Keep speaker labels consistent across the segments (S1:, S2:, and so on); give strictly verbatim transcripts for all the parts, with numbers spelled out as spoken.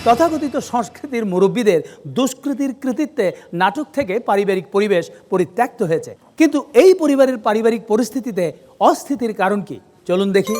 S1: তথাকথিত সংস্কৃতির মুরব্বীদের দুষ্কৃতির কৃতিত্বে নাটক থেকে পারিবারিক পরিবেশ পরিত্যক্ত হয়েছে। কিন্তু এই পরিবারের পারিবারিক পরিস্থিতিতে অস্থিতির কারণ কি, চলুন দেখি।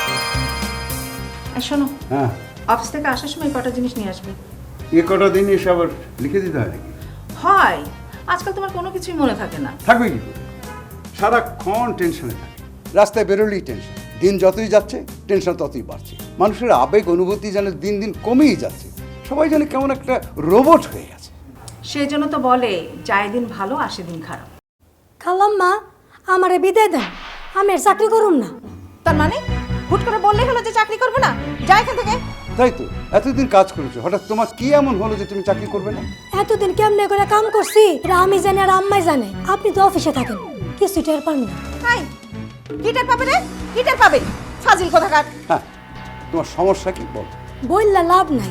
S2: শোনো,
S3: হ্যাঁ,
S2: অফিস থেকে আসার সময় কটা জিনিস নিয়ে আসবে।
S3: এ কটা দিন এসে আবার লিখে দিতে হয় নাকি?
S2: হয়, আজকাল তোমার কোনো কিছুই মনে থাকে না।
S3: থাকবে কি করে? সারাক্ষণ টেনশনে থাকে, রাস্তায় বেরোলেই টেনশন, দিন যতই যাচ্ছে টেনশন ততই বাড়ছে, মানুষের আবেগ অনুভূতি যেন দিন দিন কমেই যাচ্ছে, সবাই যেন কেমন একটা রোবট হয়ে গেছে।
S2: সেই জন্য তো বলে যায় দিন ভালো আসে দিন খারাপ।
S4: খালাম্মা আমারে বিদায় দেন, আমি আর চাকরি করুম না।
S2: তার মানে হুট করে বললেই হলো যে চাকরি করবে না, যাই এখান থেকে।
S3: তাই তো, এতদিন কাজ করেছো, হঠাৎ তোমার কি এমন হলো যে তুমি চাকরি করবে না?
S4: এতদিন কেমনে করে কাম করছি এটা আমি জানি আর আম্মাই জানে। আপনি তো অফিসে থাকেন, কিছু টের পান না।
S2: হাই, গিটার পাবে রে, গিটার পাবে, ফাজিল কোথাকার।
S3: হ্যাঁ, তোমার সমস্যা কি বল?
S4: বললা লাভ নাই,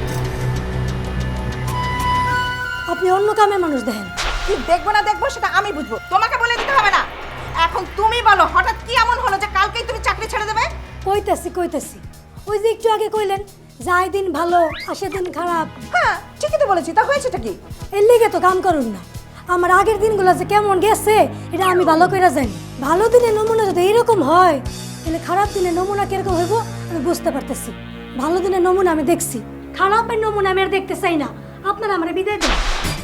S4: আপনি অন্য কামের মানুষ দেখেন।
S2: কি দেখবো না দেখবো সেটা আমি বুঝবো, তোমাকে বলে দিতে হবে না। এখন তুমি বলো, হঠাৎ কি এমন হলো যে কালকেই তুমি চাকরি ছেড়ে দেবে?
S4: কইতাছি কইতাছি ওই যে একটু আগে কইলেন যায় দিন ভালো আসে দিন খারাপ।
S2: হ্যাঁ ঠিকই তো বলেছি, তা হয়েছেটা কি?
S4: এর লিগে তো কাম করুন না। আমার আগের দিনগুলো যে কেমন গেছে এটা আমি ভালো করে জানি। ভালো দিনের নমুনা যদি এইরকম হয় তাহলে খারাপ দিনের নমুনা কিরকম হইব আমি বুঝতে পারতেছি। ভালো দিনের নমুনা আমি দেখছি, খারাপের নমুনা আমি আর দেখতে চাই না। আপনারা আমার বিদায় দেন।